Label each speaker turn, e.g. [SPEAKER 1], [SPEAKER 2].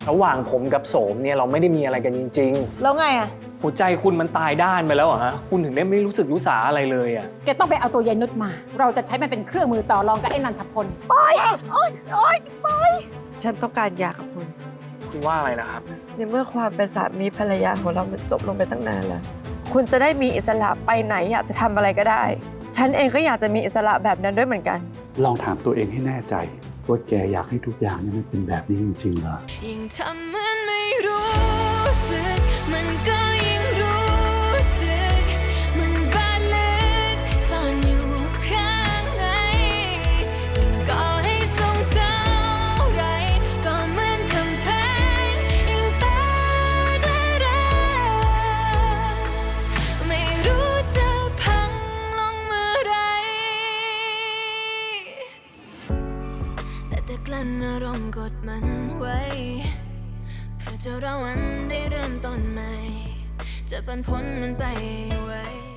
[SPEAKER 1] ระหว่างผมกับโสมเนี่ยเราไม่ได้มีอะไรกันจริง
[SPEAKER 2] แล้วไงอะ
[SPEAKER 1] ๆหัวใจคุณมันตายด้านไปแล้วเหรอฮะคุณถึงได้ไม่รู้สึกรู้สาอะไรเลยอ่ะ
[SPEAKER 3] แกต้องไปเอาตัวยายนุชมา เราจะใช้มันเป็นเครื่องมือต่อรองกับไอ้นันทพล
[SPEAKER 2] ฉันต้องการหย่ากับคุณ
[SPEAKER 1] คุณว่าอะไรนะครับ
[SPEAKER 2] ในเมื่อความเป็นสามีภรรยาของเรามันจบลงไปตั้งนานแล้ว คุณจะได้มีอิสระไปไหนอยากจะทำอะไรก็ได้ ฉันเองก็อยากจะมีอิสระแบบนั้นด้วยเหมือนกัน
[SPEAKER 4] ลองถามตัวเองให้แน่ใจว่าแกอยากให้ทุกอย่างนี่มันเป็นแบบนี้จริงๆเหรอ
[SPEAKER 5] ยิ่งทำเหมือนไม่รู้สึกมันก็ยิ่งรู้สึกมันบาดลึกซ่อนอยู่ข้างในยิ่งก่อให้ทรงเท่าไรก็เหมือนกำแพงยิ่งแตกและร้าวไม่รู้จะพังลงเมื่อไรแต่กลั้นอารมณ์กดมันไว้เพื่อจะรอวันได้เริ่มต้นใหม่จะปันผลมันไปไว้